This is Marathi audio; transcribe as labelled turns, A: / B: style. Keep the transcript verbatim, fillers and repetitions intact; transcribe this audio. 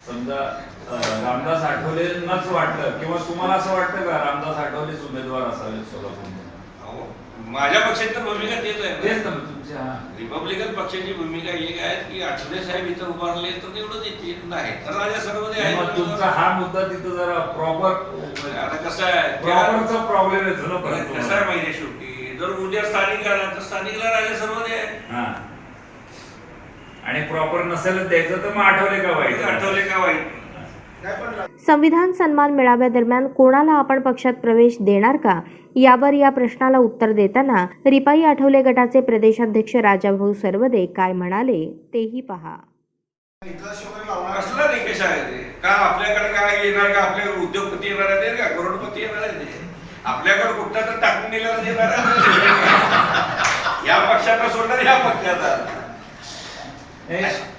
A: समजा रामदास आठवलेंनाच वाटलं किंवा तुम्हाला असं वाटतं का रामदास आठवलेच उमेदवार असावे सोलापूरमध्ये?
B: माझ्या पक्षाची तर भूमिका तेच आहे.
A: तेच ना तुमच्या
B: रिपब्लिकन पक्षाची भूमिका एक आहे की आठवले साहेब इथं उभारले तर तेवढंच येते नाही तर राजा सर्वदे आहे.
A: तुमचा हा मुद्दा तिथं जरा प्रॉपर
B: आता कसं आहे
A: प्रॉपरचा प्रॉब्लेम आहे ना.
B: कसं आहे माहिती शेवटी जर उद्या स्थानिक आला तर स्थानिकला राजा सर्वदे आहे.
A: हा आणि प्रॉपर नसेल द्यायचं तर मग आठवले का वाईट?
B: आठवले का वाईट?
C: संविधान सन्मान मेळाव्यादरम्यान कोणाला आपण पक्षात प्रवेश देणार का यावर या प्रश्नाला उत्तर देताना रिपाई आठवले गटाचे प्रदेशाध्यक्ष राजाभाऊ सर्वदे काय म्हणाले तेही पहा.
B: कसला निकष आहे ते? का आपल्याकडे काय येणार का? आपले उद्योगपती येणार आहेत का? करोडपती येणार आहेत? आपल्याकडे कुठला तर टाकून दिलेला येणार या पक्षाला सोडणार या पक्षाचा